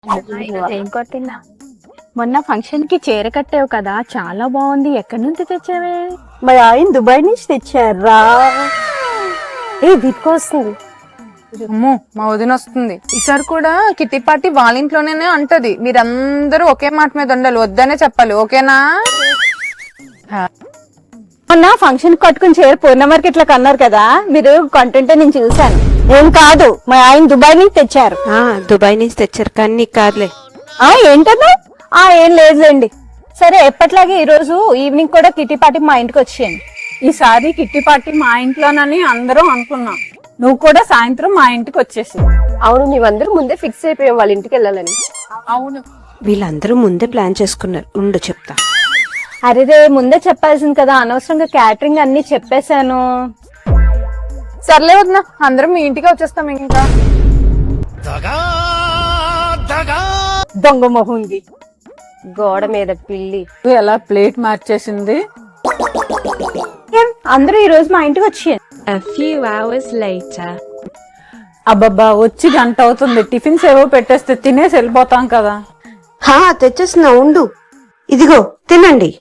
ఏం కొట్టిందా? మొన్న ఫంక్షన్ కి చీర కట్టావు కదా, చాలా బాగుంది. ఎక్కడి నుంచి తెచ్చావే? మా ఆయన దుబాయ్ నుంచి తెచ్చారా? దీనికి వస్తుంది. అమ్మో, మా వదిన వస్తుంది. ఈసారి కూడా కిట్టి పార్టీ వాళ్ళ ఇంట్లోనే అంటది. మీరందరూ ఒకే మాట మీద ఉండాలి, వద్దనే చెప్పాలి. ఓకేనా? మొన్న ఫంక్షన్ కట్టుకుని చీర పూర్ణ మార్కెట్ లో కన్నారు కదా, మీరు కంటెంట్ నేను చూసాను. ఏం కాదు, మా ఆయన దుబాయ్ నుంచి తెచ్చారు. దుబాయ్ నుంచి తెచ్చారు కానీ నీకు కాదులే. ఏంటన్నా? ఏం లేదులేండి. సరే, ఎప్పట్లాగే ఈ రోజు ఈవినింగ్ కూడా కిట్టి పార్టీ మా ఇంటికి వచ్చేయండి. ఈసారి కిట్టి పార్టీ మా ఇంట్లోనని అందరం అనుకున్నాం. నువ్వు కూడా సాయంత్రం మా ఇంటికి వచ్చేసి. అవును, మేమందరూ ముందే ఫిక్స్ అయిపోయాం వాళ్ళ ఇంటికి వెళ్ళాలని. అవును, వీళ్ళందరూ ముందే ప్లాన్ చేసుకున్నారు. ఉండు చెప్తా. అరే ముందే చెప్పాల్సింది కదా, అనవసరంగా క్యాటరింగ్ అన్ని చెప్పేశాను. సర్లే వదిన, అందరం మీ ఇంటికి వచ్చేస్తాం. ఇంకా దొంగ మొహంది. గోడ మీద పిల్లి ఎలా ప్లేట్ మార్చేసింది. అందరూ ఈ రోజు మా ఇంటికి వచ్చేయండి. A few hours later. అబ్బబ్బా, వచ్చి గంట అవుతుంది. టిఫిన్స్ ఏవో పెట్టేస్తే తినేసి వెళ్ళిపోతాం కదా. తెచ్చేస్తున్నా, ఉండు. ఇదిగో తినండి.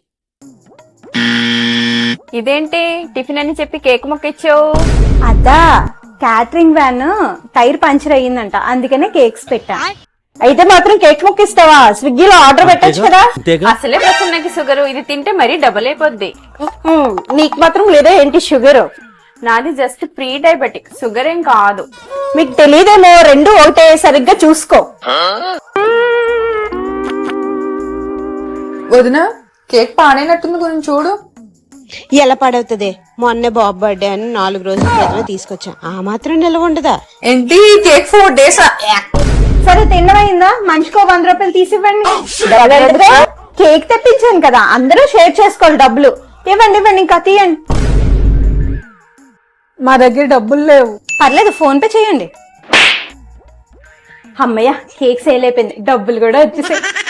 ఇదేంటి టిఫిన్ అని చెప్పి కేక్ మొక్క ఇచ్చావు? అదా, క్యాటరింగ్ వ్యాన్ టైర్ పంచర్ అయ్యిందంట, అందుకనే కేక్స్ పెట్టా. అయితే మాత్రం కేక్ మొక్కిస్తావా? స్విగ్గీలో ఆర్డర్ పెట్టచ్చు కదా. అసలే ప్రసన్నకి షుగర్, ఇది తింటే మరీ డబుల్ అయిపోద్ది. నీకు మాత్రం లేదా ఏంటి షుగర్? నాది జస్ట్ ప్రీ డయాబెటిక్, షుగర్ ఏం కాదు. మీకు తెలియదేమో, రెండు ఒకటే, సరిగ్గా చూసుకో. వదిన, కేక్ పాడైనట్టుంది, కొంచెం చూడు. ఎలా పడవుతుంది? మొన్నే బాబు బర్త్డే అని 4 రోజుల క్రితమే తీసుకొచ్చా. ఆ మాత్రం నిలవ ఉండదా? ఏంటి కేక్ 4 days? సరే, తిన్నమైందా? మనిషికో 100 రూపాయలు తీసివ్వండి. కేక్ తెప్పించాను కదా, అందరూ షేర్ చేసుకోవాలి డబ్బులు. ఇవ్వండి ఇవ్వండి, ఇంకా తీయండి. మా దగ్గర డబ్బులు లేవు. పర్లేదు, ఫోన్ పే చేయండి. అమ్మయ్య, కేక్ సేల్ అయిపోయింది, డబ్బులు కూడా వచ్చేసాయి.